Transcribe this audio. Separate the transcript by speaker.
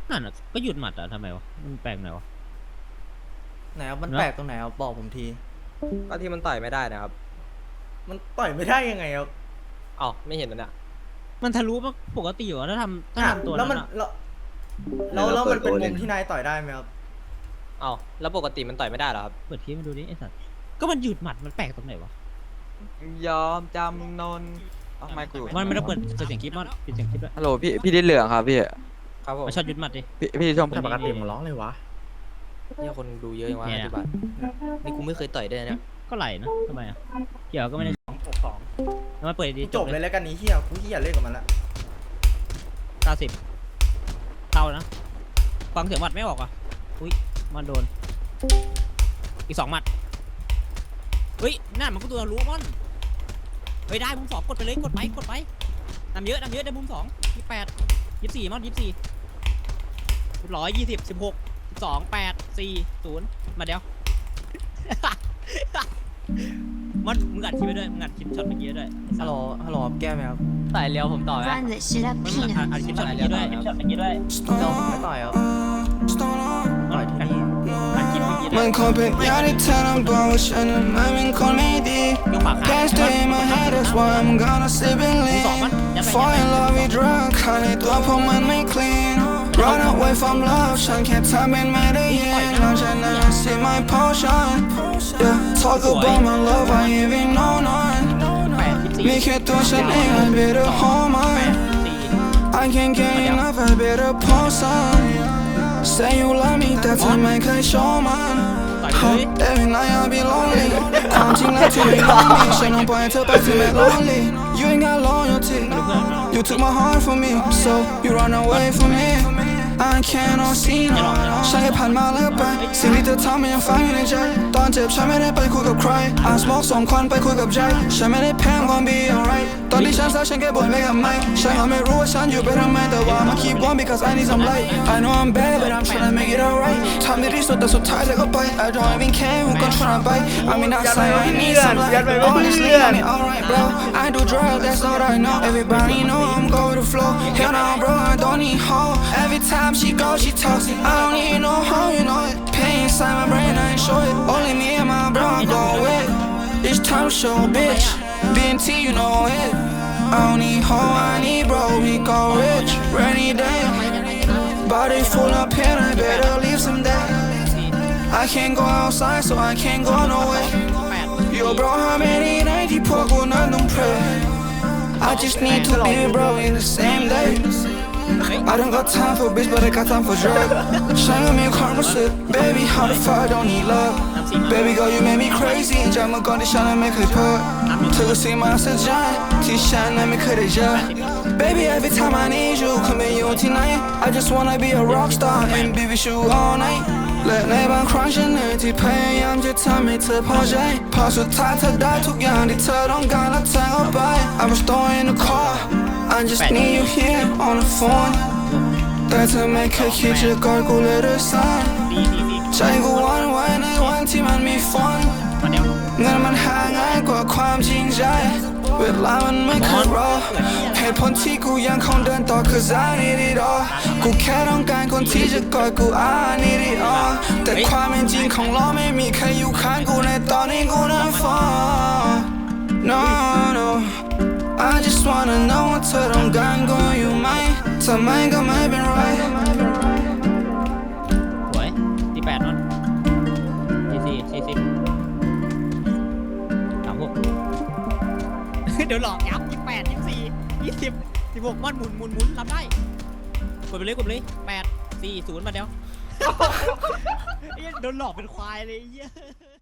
Speaker 1: นั่นอ่ะก็หยุดหมัดอ่ะทำไมวะมันแปลกไหนวะ
Speaker 2: ไหนครับมันแปลกตรงไหนครับบอกผมที
Speaker 3: ก็ที่มันต่อยไม่ได้นะครับ
Speaker 2: มันต่อยไม่ได้ยังไงครับ
Speaker 3: อ้าวไม่เห็นมันอ่ะ
Speaker 1: มันทะลุปกติอยู่อะถ้าทำตัว
Speaker 2: แล้วมัน
Speaker 1: นั้นอะ
Speaker 2: แล้วมันเป็นมุมที่นายต่อยได้ไหมครับ
Speaker 3: อ้าวแล้วปกติมันต่อยไม่ได้เหรอครับ
Speaker 1: เปิดคลิปมาดูดิไอ้สัตว์ก็มันหยุดหมัดมันแปลกตรงไหนวะ
Speaker 4: ยอมจำนนเอาไมค์กูอยู่
Speaker 1: มันไม่ได้เปิดเสียงคลิปมันปิดเสียงคลิปด้วย
Speaker 4: ฮัลโหลพี่ดิเหลืองครับพี่
Speaker 3: ครับผม
Speaker 1: มันชอบหยุดหมัดดิ
Speaker 4: พี่ชม
Speaker 5: แต่ปกติมึงร้องเลยวะ
Speaker 3: เนี่ยคนดูเยอะยังวะ
Speaker 1: เนี่ย
Speaker 3: ปัจจุบันนี่กูไม่เคยต่อยด้วยนะเนี่ย
Speaker 1: ก็ไหลนะทำไมอ่ะเกี่ยวก็ไม่ได้แล้วมาเปิดดี
Speaker 2: จบเลยแล้วกันนี้เฮียกูเฮียเล่นกับมันละ
Speaker 1: 90เท่านะฟังเสียงหมัดไม่ออกอ่ะอุ้ยมันโดนอีก2หมัดเฮ้ยนั่นมันก็ตัวรู้มันเฮ้ยได้มุม2กดไปเลยกดไปนำเยอะได้มุม2 28 24มัน24 120 16 12 8 4 0มาเดี๋ยว มันมึงอัดคลิปไปด้วยมึงอัดคลิปช็อตเมื่อกี้ด้วย
Speaker 2: ฮัลโหลครับแก้ไหมครับ
Speaker 3: ต่อยเร็วผมต่อยไหม
Speaker 6: Run that shit up,
Speaker 1: มัน
Speaker 6: peanut.
Speaker 1: อัดคลิปช็อตเมื่อกี้ด้วยช็อตเมื่อกี้ด้วย
Speaker 2: เราไม่ต่อยครับต่อยที่นี่
Speaker 1: อัดคลิปเมื่อกี้ด้
Speaker 7: มั
Speaker 1: วย
Speaker 7: นคงเป็นยาที่เธอต้องบอกว่าฉันนั้นมันเป็นคนไม่ดี
Speaker 1: ยกขวาขา
Speaker 7: Can't stay in my head that's why I'm gonna sleep and
Speaker 1: มือสองมัน
Speaker 7: lean Fall in love with drug ข้างในตัวพวกมันไม่ clean Run away from love ฉันแค่ทำเป็นไม่ได้ยินหลังจากนั้น I see my potion Yeah talk about my love I even know none
Speaker 1: 8
Speaker 7: มีแค่ตัวฉันเอง I better hold mine
Speaker 1: 14
Speaker 7: I can't get enough I better post on Say you love me แต่เธอไม่เคยโชว์มัน
Speaker 1: ต่อยไปเลย
Speaker 7: Every night I'll be lonely ความจริงแล้วเธอไม่รู้มีฉันต้องปล่อยให้เธอไปเธอไม่ lonely You ain't got loyalty You took my heart from me So you run away from me I cannot see no ฉันแค่ผ่านมาแล้วไปสิ่งที่เธอทำมันยังฝังอยู่ในใจตอนเจ็บฉันไม่ได้ไปคุยกับใคร I smoke ส่งควันไปคุยกับใจฉันไม่ได้แพ้ I'm gonna be alright ตอนที่ฉันเศร้าฉันแค่บ่นไม่กับไม่ฉันก็ไม่รู้ว่าฉันอยู่ไปทำไมแต่ว่า I'ma keep on because I need some light I know I'm bad but I'm tryna make it alright ทำดีที่สุดแต่สุดท้ายเธอก็ไป I don't even care who gon' tryna bite I mean I say I need some light Honestly I'm alright bro I do drugs that's all I know Everybody know I'm go with the flow Hell no bro I don't need hope Every time she go she talks I don't need no hoe you know it Pain inside my brain I ain't show it Only me and my bro I go with It's time to show bitch BNT you know it I don't need hoe I need bro we go rich Rainy day Body full of pain I better leave some day I can't go outside so I can't go nowhere Yo bro how many nights you poor go not don't pray I just need to be with bro in the same day I don't got time for bitch but I got time for drug ฉันก็มีความรู้สึก Baby how the fuck I don't need love Baby girl you make me crazy จากเมื่อก่อนที่ฉันนั้นไม่เคยเพ้อเธอก็สิ่งมหัศจรรย์ที่ฉันนั้นไม่เคยได้เจอ Baby every time I need you คุณไม่อยู่ที่ไหน I just wanna be a rock star and be with you all night และในบางครั้งฉันเหนื่อยที่พยายามจะทำให้เธอพอใจพอสุดท้ายเธอได้ทุกอย่างที่เธอต้องการแล้วเธอเอาไป I was throwing in the car I just need you here on the phone แต่เธอไม่เคยคิดจะกอดกูเลยด้วยซ้ำใจกูหวันไหวในวันที่มันมีฝน
Speaker 1: มาเดี๋ยว
Speaker 7: เงินมันหาง่ายกว่าความจริงใจเวลามันไม่เคยรอเหตุผลที่กูยังคงเดินต่อ cause I need it all กูแค่ต้องการคนที่จะกอดกู I need it all แต่ความเป็นจริงของเราไม่มีใครอยู่ข้างกูในตอนนี้กูนั้น fall no no I just wanna know ว่าเธอต้องการกูอยู่ไหมทำไมก็ไม่เป็นไร
Speaker 1: สวย48นั่น44 40 36 เดี๋ยวหลอกยับ28 24 20 16มันหมุนรับได้กดไปเลย8 4 0มาเดี๋ยว โดนหลอกเป็นควายเลยไอ้เหี้ย